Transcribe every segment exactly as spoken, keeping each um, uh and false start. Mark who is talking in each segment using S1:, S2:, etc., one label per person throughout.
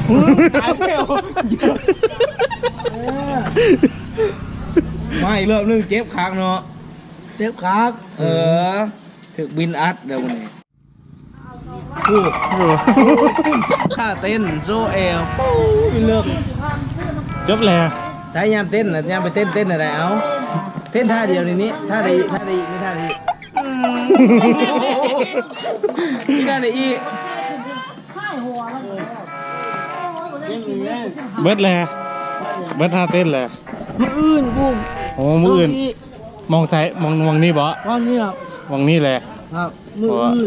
S1: ตายแล้วมาอีกรอบนึงเจ็บขากเนาะ
S2: เจ็บขาก
S1: เออถึกบินอัดเดี๋ยววันนี้พูดท่าเต้นโซเอลปูเลิก
S3: จบแล้ว
S1: ใช้ยามเต้นนะยามไปเต้นเต้นอะไรเอาเต้นท่าเดียวในนี้ท่าใดท่าใดอีกไม่ท่าใดอีกนี่ท่าใดอีก
S3: เบิดแล้วเบิดท่าเต้นแล้ว
S2: มืออื่นกู
S3: โอ้มืออื่นมองซ้ายมองมองนี่บ่
S2: มองนี่ครับ
S3: มองนี่แหละ
S2: ครับมืออื่น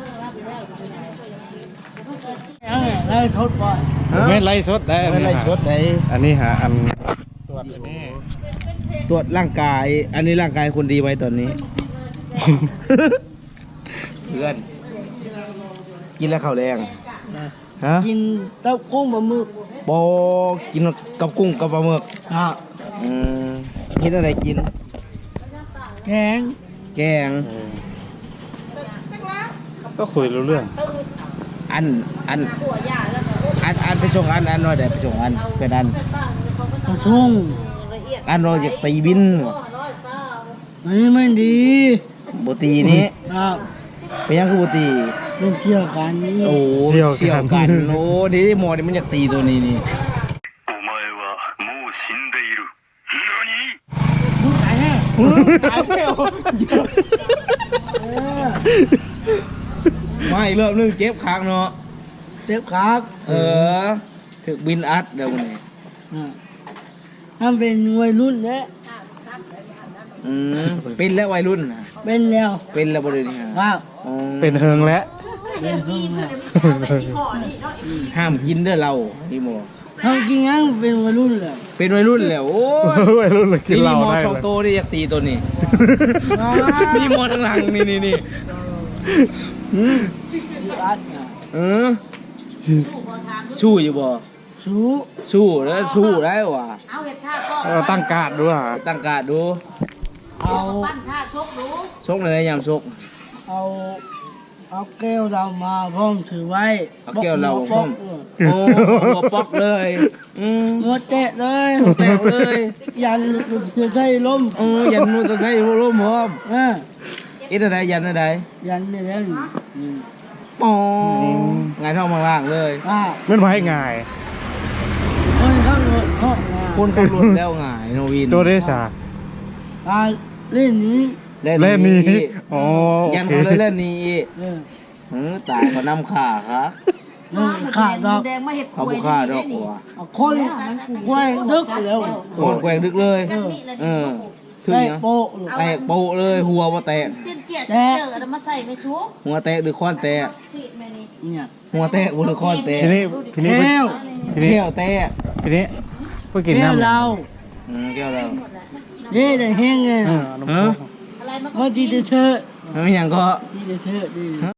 S2: ไล่ชดบ่
S3: ไม่ไล่ชดได้
S1: ไม่ไล่ชดได้
S3: อันนี้หาอันตรวจอันนี้
S1: ตรวจร่างกายอันนี้ร่างกายคนดีไว้ตอนนี้เพื่อนกินแล้วข้าวแรงฮะ
S2: กินเต้ากุ้งปลาหมึก
S1: บอกินกับกุ้งกับปลาหมึก
S2: อ่ะ
S1: อืมคิดอะไรกิน
S2: แกง
S1: แกง
S3: ก็คุยรู้เรื่อง
S1: อันอันอันอันไปส่งอันอันน้อยเดี๋ยวไปส่งอันเป็นอัน
S2: กระชุ่ง
S1: อันเราอยากตีบิน
S2: มันไม่ดี
S1: บุตีนี้
S2: ครับ
S1: เป็นยังคือบุตี
S2: เป็นเชี่ยวกันนี่
S1: โอ้เชี่ยวกันโอ้ดีหมอนี่มันอยากตีตัวนี้นี่
S2: มึงตายแน่
S1: ตายแล้วมาอีกรอบนึงเจ็บขากเนาะ
S2: เจ็บขาก
S1: เออถึกบินอัดเดี๋ยววันนี้
S2: ถ้าเป็นวัยรุ่นแล้ว
S1: อืมเป็นแล้ววัยรุ่น
S2: เป็นแล้ว
S1: เป็นแล้วบริเวณ
S2: ครับ
S3: เป็นเฮิงแล้ว
S2: เป็นเฮิงแล้ว
S1: ห้ามกินเด้อเราพี่โม
S2: ห้ามกินงั้นเป็นวัยรุ่นแล้ว
S1: เป็นวัยรุ่นแล้วโอ้
S3: วัยรุ่นเลยกินเหล้าได้
S1: มีมอสองโตที่อยากตีตัวนี้มีมอทั้งหลังนี่นี่นี่เออสู้อยู่บ่
S2: สู้
S1: สู้แล้วสู้ได้ว่ะ
S4: เอาเห็ดท่าก็
S3: ตั้งการ์ดด้วย
S1: ตั้งการ์ดดู
S4: เอาปั้นท่าชกดู
S1: ชกในยามชก
S2: เอาเอาแก้วเรามาพ่อมถือไว้
S1: เอาแก้วเราพ่อมโอ้หัวปอกเลย
S2: หัวเตะเลย
S1: เตะเลย
S2: ยันจะใช้ล้ม
S1: เออยันจะใช้ล้มพร้อม
S2: อ่า
S1: อีอะไรยันอะไร
S2: ยันนี่แหละ
S1: อ๋อไงท้องมาล่างเลย
S3: ไม่ไหวง่าย
S2: คนข้างรถห้อง
S1: คนขับรถแล้วง่ายโนวิน
S3: ตัวเดซ่า
S2: เล่นนี้
S1: เล่นนี้
S3: อ๋อ
S1: ยันเขาเล่นนี้เออตายเขานำขาครับ
S2: ขาดอก
S1: เขาบุฆ่าดอกหัว
S2: คนแกว่งดึกแล้ว
S1: คนแกว่งดึกเลยเออ
S2: คือยังโปะ
S1: แตกโปะเลยหัวว่าแตก
S4: แตกเจอแล้วมาใส่ไปชุบ
S1: หัวแตกหรือค้อนแตกหัวแตกหรือค้อนแตก
S3: ทีนี้ทีนี้
S1: แก้วแก้วแตก
S3: ทีนี้ไปกินน้ำ
S2: เรา
S1: แก้วเรา
S2: เย่แต่แห้งไง
S1: ฮะ
S2: ก็ดีเถอะ
S1: ไม่ยังก็
S2: ดีเถอะดี